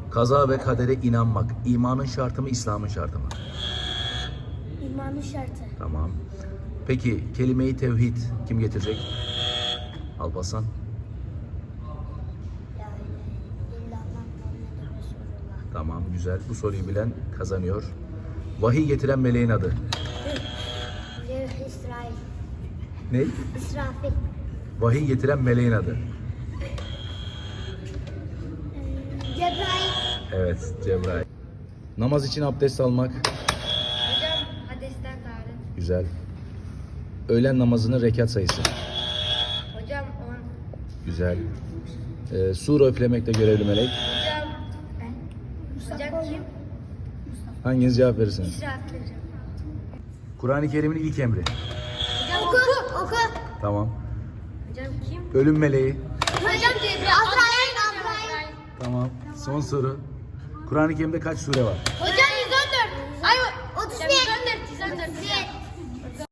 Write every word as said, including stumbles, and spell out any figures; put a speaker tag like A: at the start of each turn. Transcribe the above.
A: Kaza ve kadere inanmak imanın şartı mı, İslam'ın şartı mı?
B: İmanın şartı.
A: Tamam. Peki kelime-i tevhid kim getirecek? Alparslan.
B: La ilahe illallah Muhammed Resulullah.
A: Tamam, güzel. Bu soruyu bilen kazanıyor. Vahiy getiren meleğin adı.
B: Levh İsrail.
A: Ne?
B: İsrafil.
A: Vahiy getiren meleğin adı.
B: Cebrail.
A: Evet, Cebrail. Namaz için abdest almak.
B: Hocam hadesten taharet.
A: Güzel. Öğlen namazının rekat sayısı.
B: Hocam on.
A: Güzel. Ee, sur üflemekle görevli melek.
B: Hocam ben. Hocam kim?
A: Hanginiz cevap verirsiniz?
B: İsrafil hocam.
A: Kur'an-ı Kerim'in ilk emri.
B: Hocam oku. Oku.
A: Tamam.
B: Hocam kim?
A: Ölüm meleği.
B: Hocam Cebrail. Azrail. Azrail.
A: Tamam. Son soru. Kur'an-ı Kerim'de kaç sure var?
B: Hocam yüz on dört. Ay otuz bir. yüz on dört. yüz on dört.